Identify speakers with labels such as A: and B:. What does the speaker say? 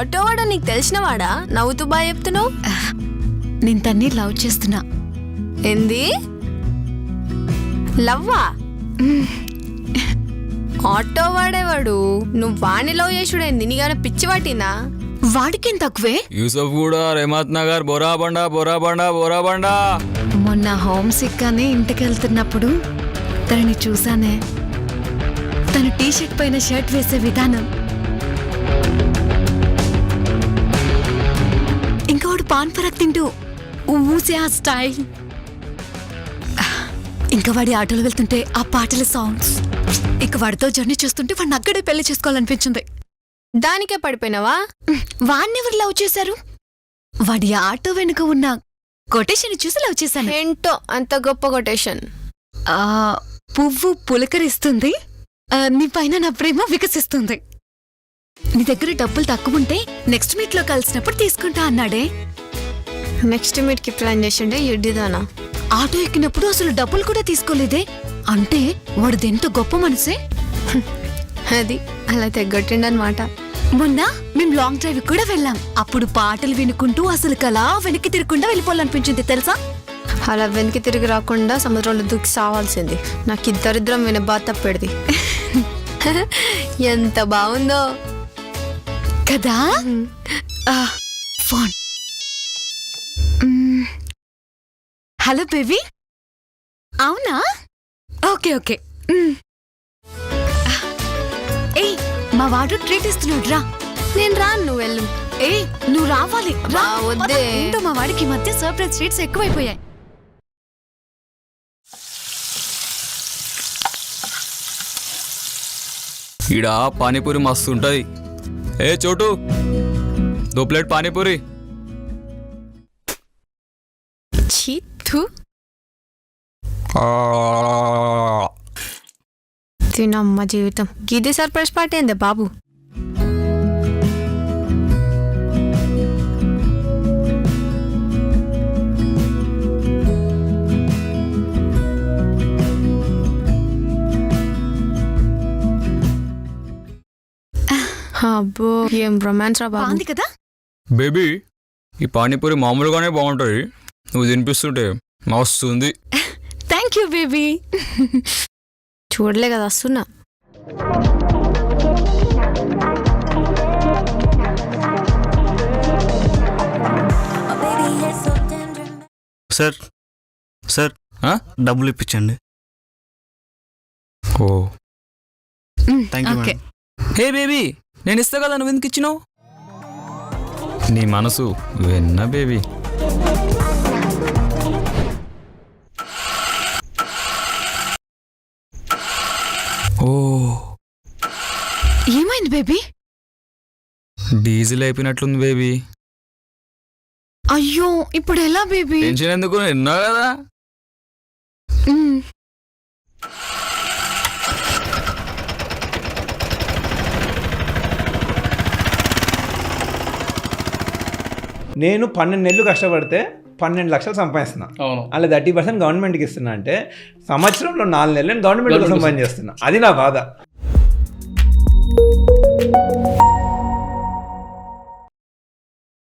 A: Auto వాడు నీకు తెలిసినవాడా? నవ్వుతూ బాగా చెప్తున్నావు.
B: నేను తన్ని లవ్ చేస్తున్నా.
A: ఏంది? లవ్వా? ఆటో వాడేవాడు నువ్వు వాణ్ణి లవ్ చేసుడేంది? నీకైనా పిచ్చి పట్టిందా?
B: వాడికేం తక్కువే.
C: యూసఫ్ కూడా రేమత్ నగర్ బోరాబండా.
B: మొన్న హోమ్ సిక్ అని ఇంటికి వెళ్తున్నప్పుడు తనని చూసానే. తను టీషర్ట్ పైన షర్ట్ వేసే విధానం, ఇంకా వాడు పాన్ పరాక్ తింటూ ఊసే ఆ స్టైల్, ఇంకా వాడి ఆటోలో వెళ్తుంటే ఆ పాటల సాంగ్స్, ఇక వాడితో జర్నీ చేస్తుంటే వాడిని అక్కడే పెళ్లి చేసుకోవాలనిపించింది.
A: దానికే పడిపోయినావా?
B: వాడిని ఎవరు లవ్ చేశారు? వాడి ఆటో వెనుక ఉన్న కొటేషన్ చూసి లవ్ చేశాను.
A: ఏంటో అంత గొప్ప కొటేషన్.
B: పువ్వు పులకరిస్తుంది, నీ పైన నా ప్రేమ వికసిస్తుంది. నీ దగ్గర డబ్బులు తక్కువ ఉంటే నెక్స్ట్ మీట్ లో కలిసినప్పుడు తీసుకుంటా అన్నాడే.
A: నెక్స్ట్ మీట్ కి ప్లాన్ చేసిండే ఎడ్డిదానా.
B: ఆటో ఎక్కినప్పుడు అసలు డబ్బులు కూడా తీసుకోలేదే. అంటే వాడిది ఎంత గొప్ప మనసే.
A: అది అలా తెగొట్టిండనమాట.
B: మొన్న మేం లాంగ్ డ్రైవ్ కూడా వెళ్ళాం. అప్పుడు పాటలు వినుకుంటూ అసలు కలా వెనక్కి తిరగకుండా వెళ్ళిపోవాలనిపించింది తెలుసా.
A: అలా వెనక్కి తిరిగి రాకుండా సముద్రంలో దూకి సావాల్సింది. నాకు ఈ దరిద్రం విన బాధ తప్పెడిది. ఎంత బాగుందో
B: కదా. ఫోన్. Hello baby. అవునా? Okay okay. ఏయ్, మా వాడు ట్రీట్ ఇస్తున్నాడు, రా.
A: నేను రాను, నువ్వు వెళ్ళు.
B: ఏయ్, నువ్వు రావాలి, రా.
A: వద్దే.
B: ఏంటో మా వాడికి ఈ మధ్య సర్ప్రైజ్ ట్రీట్స్ ఎక్కువైపోయాయి.
C: ఈడ పానీపూరి మస్తు ఉంటది. ఏ చోటు, 2 ప్లేట్ పానీపూరి.
A: చీతు తినమ్మ జీవితం. గిది సర్ప్రైజ్ పార్టీ ఏందే బాబు? అబ్బో, ఏం రొమాన్స్ రా బాబు.
B: బాగుంది కదా.
C: బేబీ, ఈ పానీపూరి మామూలుగానే బాగుంటది, నువ్వు తినిపిస్తుంటే మస్తు ఉంది.
B: Thank you baby.
A: చూడలే కదా వస్తున్నా.
D: సార్ సార్ డబ్బులు ఇప్పించండి.
C: Oh
D: thank you
B: okay.
D: Madam.
C: Hey baby, నేను ఇస్తా కదా, నువ్వు ఎందుకు ఇచ్చినావు? నీ మనసు వెన్న బేబీ. ఓ,
B: ఏమైంది బేబీ?
C: Diesel అయిపోయినట్లుంది baby.
B: అయ్యో, ఇప్పుడు ఎలా బేబీ?
C: టెన్షన్ ఎందుకు, విన్నావు కదా.
E: నేను 12 నెలలు కష్టపడితే 12 లక్షలు సంపాదిస్తున్నా. అలా 30% గవర్నమెంట్కి ఇస్తున్నా అంటే సంవత్సరంలో 4 నెలలు నేను గవర్నమెంట్ కోసం పని చేస్తున్నా. అది నా బాధ.